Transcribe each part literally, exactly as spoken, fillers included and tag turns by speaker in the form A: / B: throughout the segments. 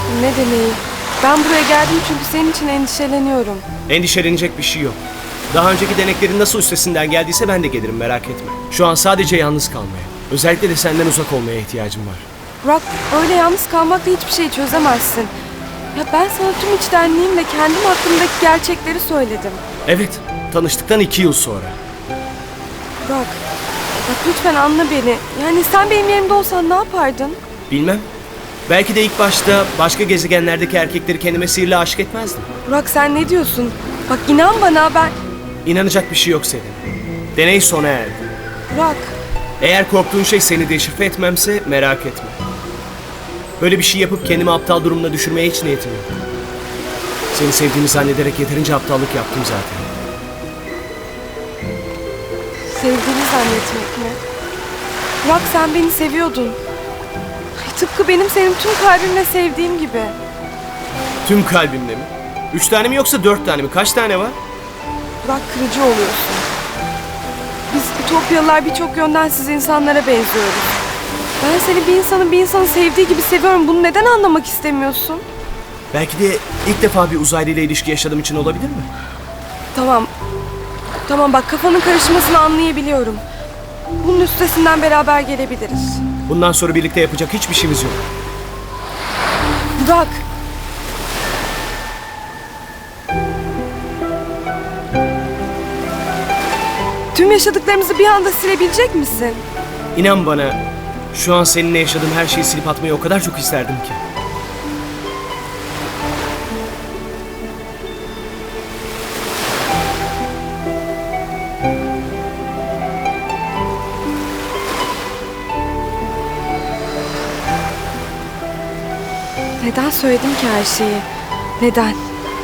A: aşkım, ne deneyi? Ben buraya geldim çünkü senin için endişeleniyorum.
B: Endişelenecek bir şey yok. Daha önceki deneklerin nasıl üstesinden geldiyse ben de gelirim, merak etme. Şu an sadece yalnız kalmaya, özellikle de senden uzak olmaya ihtiyacım var.
A: Burak, öyle yalnız kalmakla hiçbir şey çözemezsin. Ya ben sana tüm içtenliğimle kendim hakkındaki gerçekleri söyledim.
B: Evet, tanıştıktan iki yıl sonra.
A: Burak, bak lütfen anla beni. Yani sen benim yerimde olsan ne yapardın?
B: Bilmem. Belki de ilk başta başka gezegenlerdeki erkekleri kendime sihirle aşık etmezdim.
A: Burak, sen ne diyorsun? Bak inan bana, ben...
B: İnanacak bir şey yok senin. Deney sona erdi.
A: Burak,
B: Eğer korktuğun şey seni deşifre etmemse merak etme. Böyle bir şey yapıp kendimi aptal durumuna düşürmeye hiç niyetim yok. Seni sevdiğimi zannederek yeterince aptallık yaptım zaten.
A: sevdiğini zannetmek mi? Burak, sen beni seviyordun. Ay, tıpkı benim senin tüm kalbimle sevdiğim gibi.
B: Tüm kalbimle mi? Üç tane mi yoksa dört tane mi? Kaç tane var?
A: Burak, kırıcı oluyorsun. Biz Ütopyalılar birçok yönden siz insanlara benziyoruz. Ben seni bir insanın bir insanı sevdiği gibi seviyorum. Bunu neden anlamak istemiyorsun?
B: Belki de ilk defa bir uzaylı ile ilişki yaşadığım için olabilir mi?
A: Tamam. Tamam bak, kafanın karışmasını anlayabiliyorum. Bunun üstesinden beraber gelebiliriz.
B: Bundan sonra birlikte yapacak hiçbir şeyimiz yok.
A: Burak. Tüm yaşadıklarımızı bir anda silebilecek misin?
B: İnan bana, şu an seninle yaşadığım her şeyi silip atmayı o kadar çok isterdim ki.
A: Neden söyledim ki her şeyi? Neden?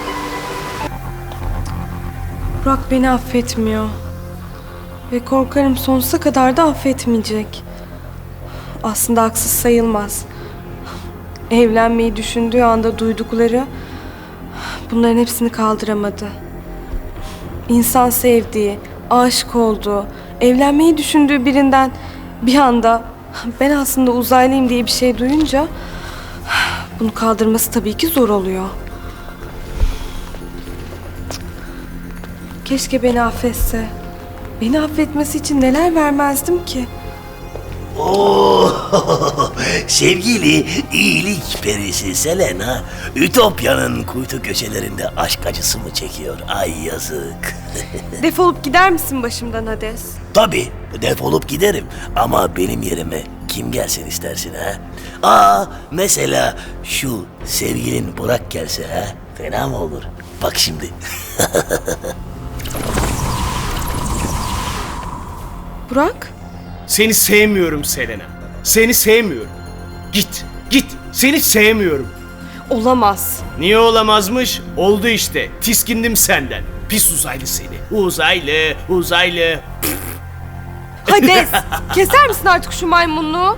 A: Burak beni affetmiyor. Ve korkarım sonsuza kadar da affetmeyecek. Aslında haksız sayılmaz. Evlenmeyi düşündüğü anda duydukları bunların hepsini kaldıramadı. İnsan sevdiği, aşık olduğu, evlenmeyi düşündüğü birinden bir anda ben aslında uzaylıyım diye bir şey duyunca bunu kaldırması tabii ki zor oluyor. Keşke beni affetse. Beni affetmesi için neler vermezdim ki?
C: Oo, sevgili iyilik perisi Selena, Ütopya'nın kuytu köşelerinde aşk acısı mı çekiyor? Ay yazık.
A: Defolup gider misin başımdan Hades?
C: Tabii, defolup giderim ama benim yerime kim gelsin istersin ha? Aa, mesela şu sevgilin Burak gelse ha? Fena mı olur? Bak şimdi.
A: Burak?
B: Seni sevmiyorum Selena. Seni sevmiyorum. Git, git. Seni sevmiyorum.
A: Olamaz.
B: Niye olamazmış? Oldu işte. Tiskindim senden. Pis uzaylı seni. Uzaylı, uzaylı.
A: Hades! Keser misin artık şu maymunluğu?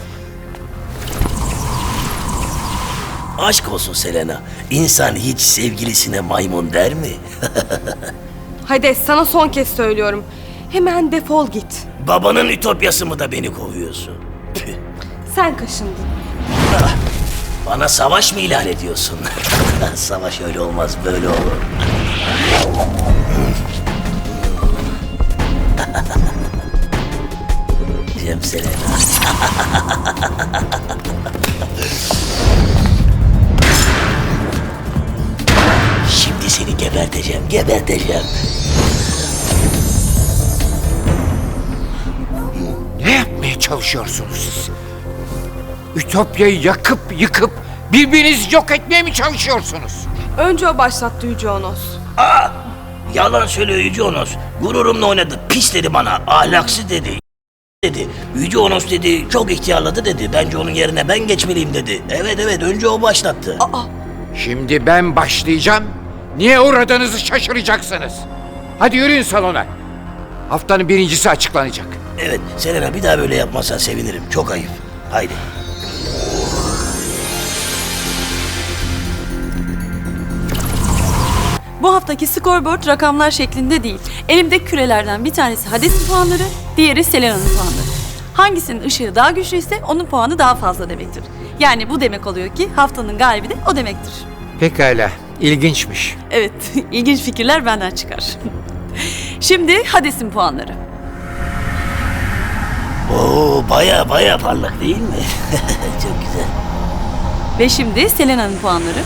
C: Aşk olsun Selena, İnsan hiç sevgilisine maymun der mi?
A: Hades, sana son kez söylüyorum. Hemen defol git.
C: Babanın ütopyası mı da beni kovuyorsun? Püh.
A: Sen kaşındın.
C: Bana savaş mı ilan ediyorsun? Savaş öyle olmaz, böyle olur. Cem Selena. Şimdi seni geberteceğim, geberteceğim.
D: Ne yapmaya çalışıyorsunuz siz? Ütopya'yı yakıp yıkıp birbirinizi yok etmeye mi çalışıyorsunuz?
A: Önce o başlattı Yüce Onos.
C: Aa! Yalan söylüyor Yüce Onos. Gururumla oynadı. Pis dedi bana. Ahlaksız dedi. dedi. Yüce Onos dedi. Çok ihtiyarladı dedi. Bence onun yerine ben geçmeliyim dedi. Evet evet önce o başlattı.
A: Aa,
D: Şimdi ben başlayacağım. Niye uğradığınızı şaşıracaksınız. Hadi yürüyün salona. Haftanın birincisi açıklanacak.
C: Evet Selena bir daha böyle yapmazsan sevinirim. Çok ayıp. Haydi.
E: Bu haftaki scoreboard rakamlar şeklinde değil. Elimde kürelerden bir tanesi Hades'in puanları, diğeri Selena'nın puanları. Hangisinin ışığı daha güçlüyse onun puanı daha fazla demektir. Yani bu demek oluyor ki haftanın galibi de o demektir.
D: Pekala, ilginçmiş.
E: Evet, ilginç fikirler benden çıkar. Şimdi Hades'in puanları.
C: Oo baya baya parlak değil mi? Çok güzel.
E: Ve şimdi Selena'nın puanları.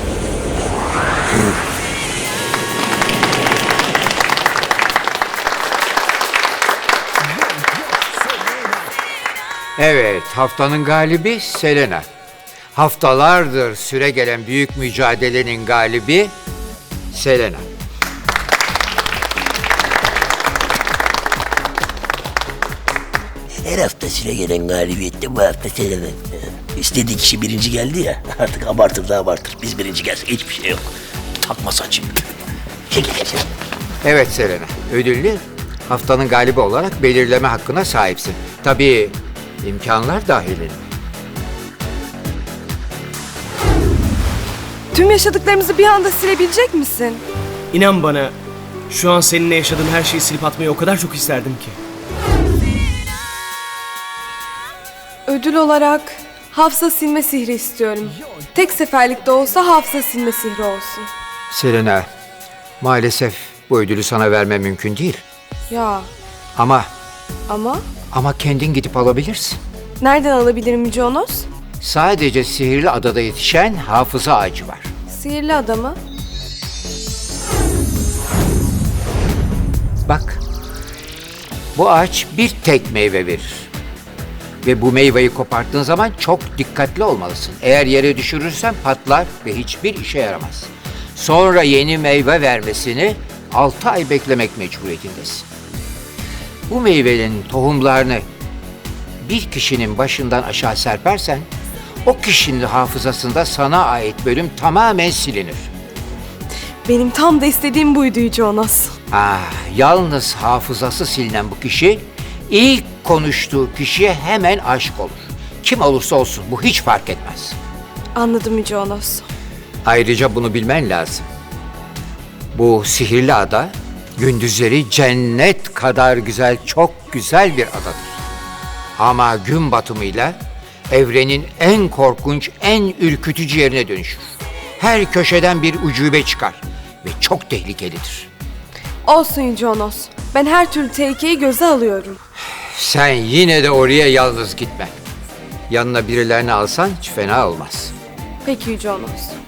D: Evet, haftanın galibi Selena. Haftalardır süre gelen büyük mücadelenin galibi Selena.
C: Her hafta süre gelen galibiyette bu hafta Selena. İstediği kişi birinci geldi ya. Artık abartır da abartır. Biz birinci gelsek hiçbir şey yok. Takma saçı. Çekil çekil.
D: Evet Selena, ödüllü haftanın galibi olarak belirleme hakkına sahipsin. Tabii imkanlar dahilinde.
A: Tüm yaşadıklarımızı bir anda silebilecek misin?
B: İnan bana, şu an seninle yaşadığım her şeyi silip atmayı o kadar çok isterdim ki.
A: Ödül olarak hafıza silme sihri istiyorum. Tek seferlik de olsa hafıza silme sihri olsun.
D: Selena, maalesef bu ödülü sana vermem mümkün değil.
A: Ya
D: Ama,
A: ama
D: ama kendin gidip alabilirsin.
A: nereden alabilirim Yüce Onos?
D: Sadece Sihirli Adada yetişen hafıza ağacı var.
A: Sihirli adamı.
D: Bak, bu ağaç bir tek meyve verir. Ve bu meyveyi koparttığın zaman çok dikkatli olmalısın. Eğer yere düşürürsen patlar ve hiçbir işe yaramaz. Sonra yeni meyve vermesini altı ay beklemek mecburiyetindesin. Bu meyvenin tohumlarını bir kişinin başından aşağı serpersen, o kişinin hafızasında sana ait bölüm tamamen silinir.
A: Benim tam da istediğim buydu Yüce Onos.
D: Ah, yalnız hafızası silinen bu kişi, ilk konuştuğu kişiye hemen aşık olur. Kim olursa olsun bu hiç fark etmez.
A: Anladım Yüce Onos.
D: Ayrıca bunu bilmen lazım. Bu sihirli ada, gündüzleri cennet kadar güzel, çok güzel bir adadır. Ama gün batımıyla evrenin en korkunç, en ürkütücü yerine dönüşür. Her köşeden bir ucube çıkar ve çok tehlikelidir.
A: Olsun Yüce Onos. Ben her türlü tehlikeyi göze alıyorum.
D: Sen yine de oraya yalnız gitme. Yanına birilerini alsan hiç fena olmaz.
A: Peki Yüce Onos.